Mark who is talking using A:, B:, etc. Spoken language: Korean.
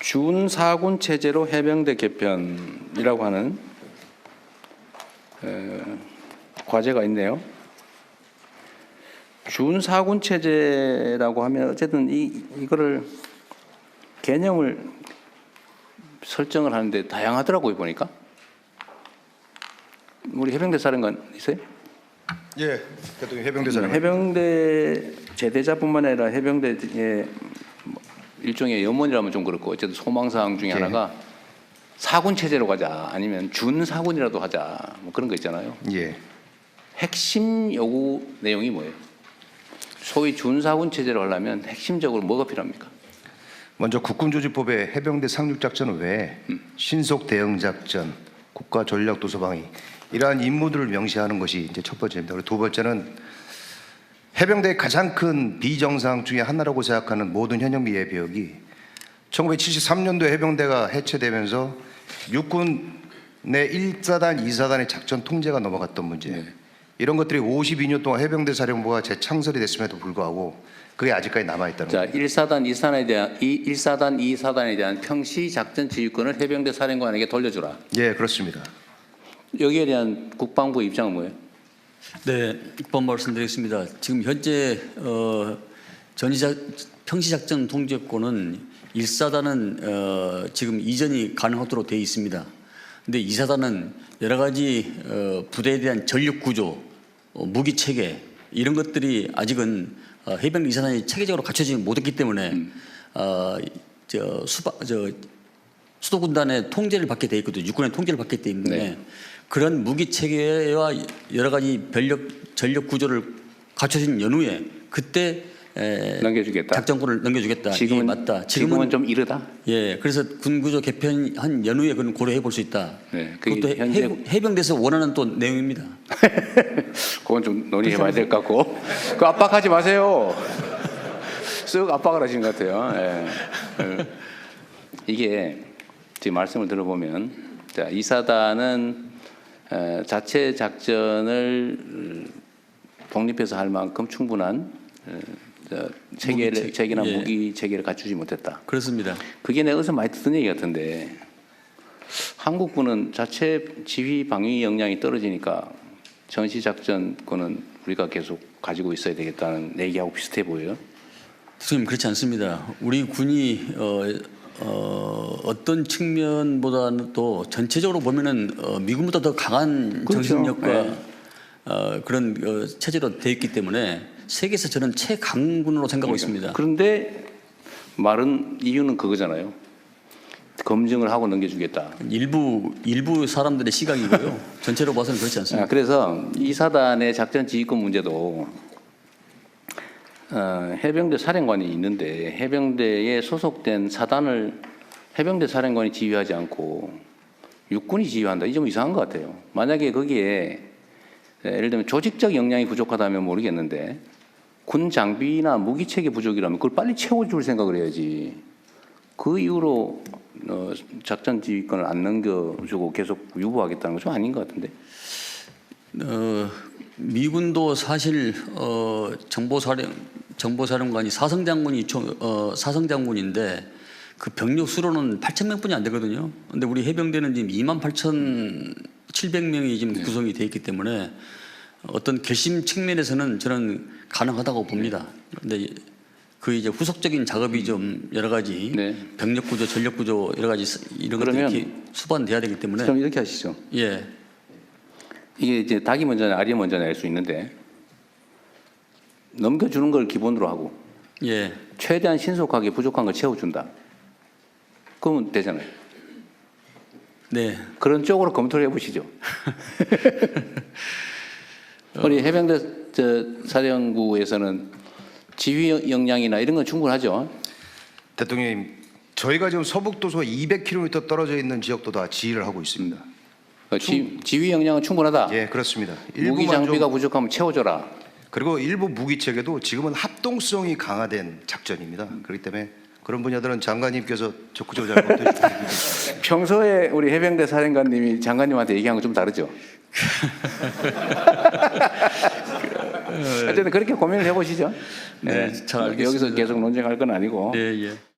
A: 준사군 체제로 해병대 개편이라고 하는 과제가 있네요. 준사군 체제라고 하면 어쨌든 이거를 개념을 설정을 하는데 다양하더라고요, 보니까. 우리 해병대 사령관 있어요?
B: 예, 대통령 해병대 사령관.
A: 해병대 제대자뿐만 아니라 해병대의 일종의 염원이라면 좀 그렇고 어쨌든 소망사항 중에 하나가 사군 체제로 가자, 아니면 준사군이라도 하자, 뭐 그런 거 있잖아요.
B: 예.
A: 핵심 요구 내용이 뭐예요? 소위 준사군 체제로 하려면 핵심적으로 뭐가 필요합니까?
B: 먼저 국군조직법의 해병대 상륙작전 외에 신속 대응작전, 국가전략도서방위 이러한 임무들을 명시하는 것이 이제 첫 번째입니다. 그리고 두 번째는 해병대의 가장 큰 비정상 중에 하나라고 생각하는 모든 현역미 예비역이 1973년도에 해병대가 해체되면서 육군 내 1사단, 2사단의 작전 통제가 넘어갔던 문제. 이런 것들이 52년 동안 해병대 사령부가 재창설이 됐음에도 불구하고 그게 아직까지 남아있다는
A: 자,
B: 겁니다.
A: 1사단, 1사단, 2사단에 대한 평시 작전 지휘권을 해병대 사령관에게 돌려주라.
B: 예, 그렇습니다.
A: 여기에 대한 국방부의 입장은 뭐예요?
C: 네, 입법 말씀드리겠습니다. 지금 현재 평시작전 통제권은 1사단은 지금 이전이 가능하도록 되어 있습니다. 근데 2사단은 여러 가지 부대에 대한 전력 구조, 무기 체계 이런 것들이 아직은 해병 2사단이 체계적으로 갖춰지지 못했기 때문에 수도군단의 통제를 받게 돼 있거든요. 육군의 통제를 받기 때문에
A: 네.
C: 그런 무기 체계와 여러 가지 전력 구조를 갖춰진 연후에 그때
A: 넘겨주겠다.
C: 작전권을 넘겨주겠다.
A: 지금은
C: 이게 맞다.
A: 지금은 좀 이르다.
C: 예, 그래서 군구조 개편한 연후에 그건 고려해 볼 수 있다.
A: 네,
C: 그것도 해병대에서 원하는 또 내용입니다.
A: 그건 좀 논의해봐야 될 것 같고. 그 압박하지 마세요. 쓱 압박을 하시는 것 같아요. 예. 이게 지금 말씀을 들어보면, 자, 2사단은 자체 작전을 독립해서 할 만큼 충분한 체계나
C: 예.
A: 무기 체계를 갖추지 못했다.
C: 그렇습니다.
A: 그게 내가 어디서 많이 듣던 얘기 같은데, 한국군은 자체 지휘 방위 역량이 떨어지니까 전시 작전권은 우리가 계속 가지고 있어야 되겠다는 얘기하고 비슷해 보여요.
C: 선생님, 그렇지 않습니다. 우리 군이 어떤 측면보다는 또 전체적으로 보면은 미군보다 더 강한
A: 그렇죠.
C: 정신력과
A: 네.
C: 그런 체제로 되어 있기 때문에 세계에서 저는 최강군으로 생각하고 있습니다.
A: 그런데 말은 이유는 그거잖아요. 검증을 하고 넘겨주겠다.
C: 일부 사람들의 시각이고요. 전체로 봐서는 그렇지 않습니다.
A: 그래서 이 사단의 작전 지휘권 문제도 해병대 사령관이 있는데 해병대에 소속된 사단을 해병대 사령관이 지휘하지 않고 육군이 지휘한다. 이 좀 이상한 것 같아요. 만약에 거기에 예를 들면 조직적 역량이 부족하다면 모르겠는데 군 장비나 무기 체계 부족이라면 그걸 빨리 채워줄 생각을 해야지. 그 이후로 작전 지휘권을 안 넘겨주고 계속 유보하겠다는 건 좀 아닌 것 같은데.
C: 미군도 사실 정보사령관이 사성장군인데 그 병력 수로는 8,000명뿐이 안 되거든요. 그런데 우리 해병대는 지금 28,700명이 지금 구성이 돼 있기 때문에 어떤 결심 측면에서는 저는 가능하다고 봅니다. 그런데 그 이제 후속적인 작업이 좀 여러 가지
A: 네.
C: 병력 구조, 전력 구조 여러 가지 이런 것들이 수반돼야 되기 때문에
A: 그럼 이렇게 하시죠.
C: 예.
A: 이게 이제 닭이 먼저냐 알이 먼저냐 알 수 있는데 넘겨주는 걸 기본으로 하고
C: 예.
A: 최대한 신속하게 부족한 걸 채워준다. 그러면 되잖아요.
C: 네.
A: 그런 쪽으로 검토를 해보시죠. 우리 해병대 사령부에서는 지휘 역량이나 이런 건 충분하죠.
B: 대통령님, 저희가 지금 서북도서 200km 떨어져 있는 지역도 다 지휘를 하고 있습니다.
A: 지휘 역량은 충분하다.
B: 예, 그렇습니다.
A: 무기 장비가 부족하면 채워줘라.
B: 그리고 일부 무기 체계도 지금은 합동성이 강화된 작전입니다. 그렇기 때문에 그런 분야들은 장관님께서 적극적으로 잘 검토해 주시기
A: 평소에 우리 해병대 사령관님이 장관님한테 얘기한 건 좀 다르죠. 어쨌든 그렇게 고민을 해보시죠.
C: 네, 잘 알겠습니다.
A: 여기서 계속 논쟁할 건 아니고.
C: 네, 예.